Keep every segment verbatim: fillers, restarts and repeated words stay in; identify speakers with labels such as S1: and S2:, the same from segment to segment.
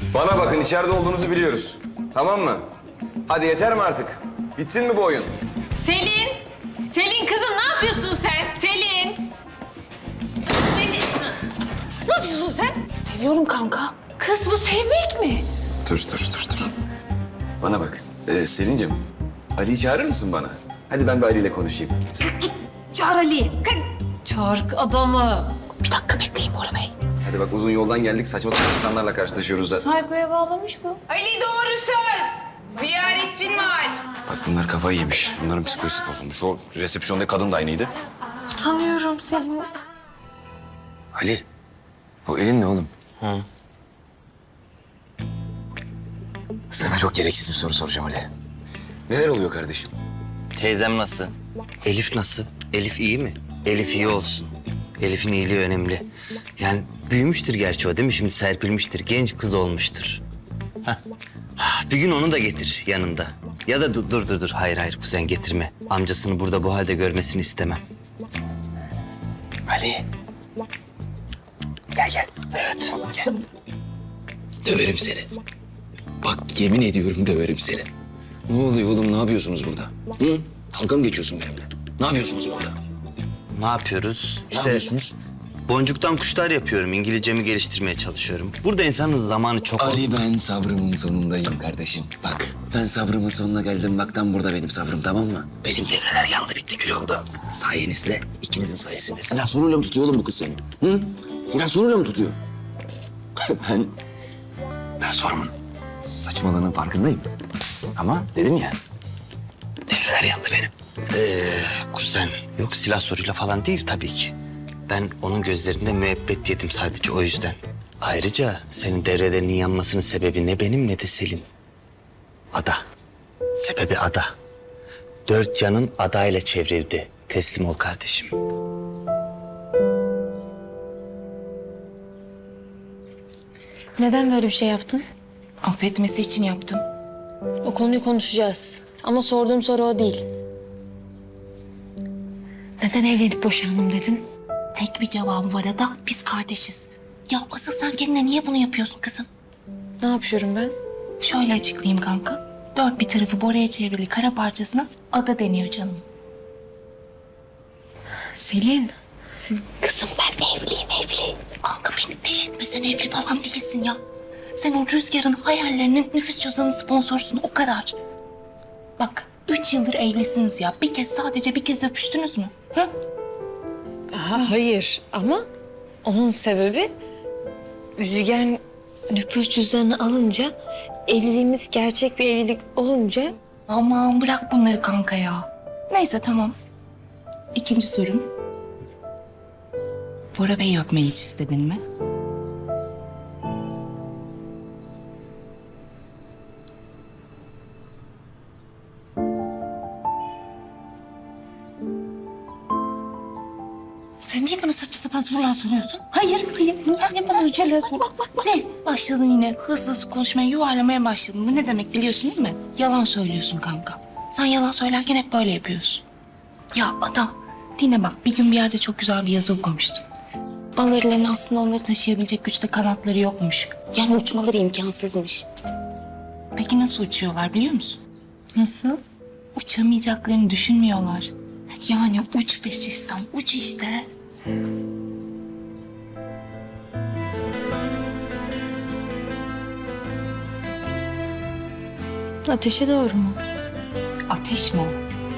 S1: Bana bakın, içeride olduğunuzu biliyoruz. Tamam mı? Hadi yeter mi artık? Bitsin mi bu oyun?
S2: Selin! Selin kızım ne yapıyorsun sen? Selin! Selin! Ne yapıyorsun sen?
S3: Seviyorum kanka.
S2: Kız bu sevmek mi?
S1: Dur, dur, dur, dur. Bana bak. Ee, Selin'cim, Ali'yi çağırır mısın bana? Hadi ben bir Ali ile konuşayım.
S2: Git çağır Ali'yi. Çağır adamı.
S3: Bir dakika bekleyin Bora Bey.
S1: Hadi bak, uzun yoldan geldik. Saçma sapan insanlarla karşılaşıyoruz zaten.
S2: Saykoya bağlamış bu.
S4: Ali doğru söz. Ziyaretçin var.
S1: Bak bunlar kafayı yemiş. Bunların psikolojisi bozulmuş. O resepsiyondaki kadın da aynıydı.
S3: Utanıyorum Selin.
S1: Ali, o elin ne oğlum?
S5: Hı.
S1: Sana çok gereksiz bir soru soracağım Ali. Neler oluyor kardeşim?
S5: Teyzem nasıl? Elif nasıl? Elif iyi mi? Elif iyi olsun. Elif'in iyiliği önemli. Yani büyümüştür gerçi o değil mi? Şimdi serpilmiştir. Genç kız olmuştur. Hah. Bir gün onu da getir yanında. Ya da dur dur dur. dur. Hayır hayır kuzen getirme. Amcasını burada bu halde görmesini istemem.
S1: Ali.
S5: Gel gel. Evet gel.
S1: Döverim seni. Bak yemin ediyorum döverim seni. Ne oluyor oğlum? Ne yapıyorsunuz burada? Hı? Dalga mı geçiyorsun benimle? Ne yapıyorsunuz burada?
S5: Ne yapıyoruz?
S1: Ne yapıyorsunuz?
S5: Boncuktan kuşlar yapıyorum. İngilizcemi geliştirmeye çalışıyorum. Burada insanın zamanı çok...
S1: Ali, ben sabrımın sonundayım kardeşim. Bak ben sabrımın sonuna geldim. Bak tam burada benim sabrım, tamam mı? Benim devreler yandı bitti kül oldu. Sayenizde, ikinizin sayesinde. Silah soruyla mı tutuyor oğlum bu kız seni? Hı? Silah soruyla mı tutuyor? ben... Ben sorumun saçmalığının farkındayım. Ama dedim ya, devreler yandı benim.
S5: Ee, kuzen. Yok silah soruyla falan değil tabii ki. Ben onun gözlerinde müebbet yedim sadece o yüzden. Ayrıca senin devrelerinin yanmasının sebebi ne benim ne de Selin. Ada. Sebebi Ada. Dört canın Ada ile çevrildi. Teslim ol kardeşim.
S2: Neden böyle bir şey yaptın?
S3: Affetmesi için yaptım.
S2: O konuyu konuşacağız. Ama sorduğum soru o değil. Neden evlenip boşandım dedin?
S3: Tek bir cevabı var Ada. Biz kardeşiz. Ya asıl sen kendine niye bunu yapıyorsun kızım?
S2: Ne yapıyorum ben?
S3: Şöyle açıklayayım kanka. Dört bir tarafı Bora'ya çevrili kara parçasına Ada deniyor canım.
S2: Selin.
S3: Kızım ben evliyim evli. Kanka beni deli etme, sen evli falan değilsin ya. Sen o Rüzgar'ın hayallerinin nüfus cüzdanı sponsorsun, o kadar. Bak üç yıldır evlisiniz ya. Bir kez, sadece bir kez öpüştünüz mü? Hı?
S2: Aha, hayır ama onun sebebi Rüzgar nüfus cüzdanını alınca, evliliğimiz gerçek bir evlilik olunca...
S3: Aman bırak bunları kanka ya. Neyse tamam. İkinci sorum. Bora Bey'i öpmeyi hiç istedin mi? Sen niye bana saçma sapan sorular soruyorsun? Hayır, hayır. Niye bana öyle şeyler sor? Bak, bak, bak. Ne? Başladın yine hızlı hızlı konuşmaya, yuvarlamaya başladın. Bu ne demek biliyorsun değil mi? Yalan söylüyorsun kanka. Sen yalan söylerken hep böyle yapıyorsun. Ya adam, dinle bak. Bir gün bir yerde çok güzel bir yazı okumuştum. Balıkların aslında onları taşıyabilecek güçte kanatları yokmuş. Yani uçmaları imkansızmış. Peki nasıl uçuyorlar biliyor musun?
S2: Nasıl?
S3: Uçamayacaklarını düşünmüyorlar. Yani uç be sistem, uç işte.
S2: Ateşe doğru mu?
S3: Ateş mi o?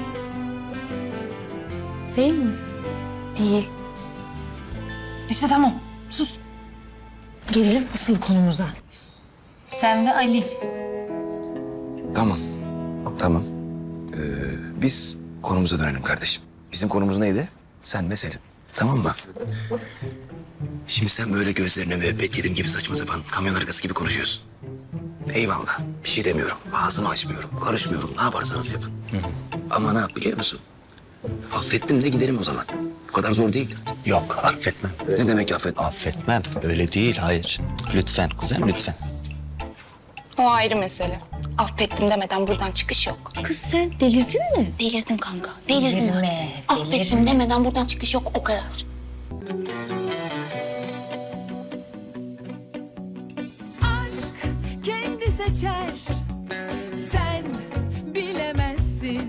S2: Değil mi? Değil.
S3: Neyse tamam, sus.
S2: Gelelim asıl konumuza. Sen ve Ali.
S1: Tamam. Tamam. Ee, biz konumuza dönelim kardeşim. Bizim konumuz neydi? Sen ve Selin. Tamam mı? Şimdi sen böyle gözlerine müebbet yedim gibi saçma sapan kamyon arkası gibi konuşuyorsun. Eyvallah. Bir şey demiyorum. Ağzımı açmıyorum. Karışmıyorum. Ne yaparsanız yapın. Ama ne yap biliyor musun? Affettim de giderim o zaman. Bu kadar zor değil.
S5: Yok affetmem.
S1: Ne demek affet?
S5: Affetmem. Öyle değil hayır. Lütfen kuzen lütfen.
S3: O ayrı mesele. Affettim demeden buradan çıkış yok.
S2: Kız sen delirdin mi?
S3: Delirdim kanka, delirdim
S2: Delirme,
S3: artık. Affettim demeden buradan çıkış yok, o kadar.
S6: aşk seçer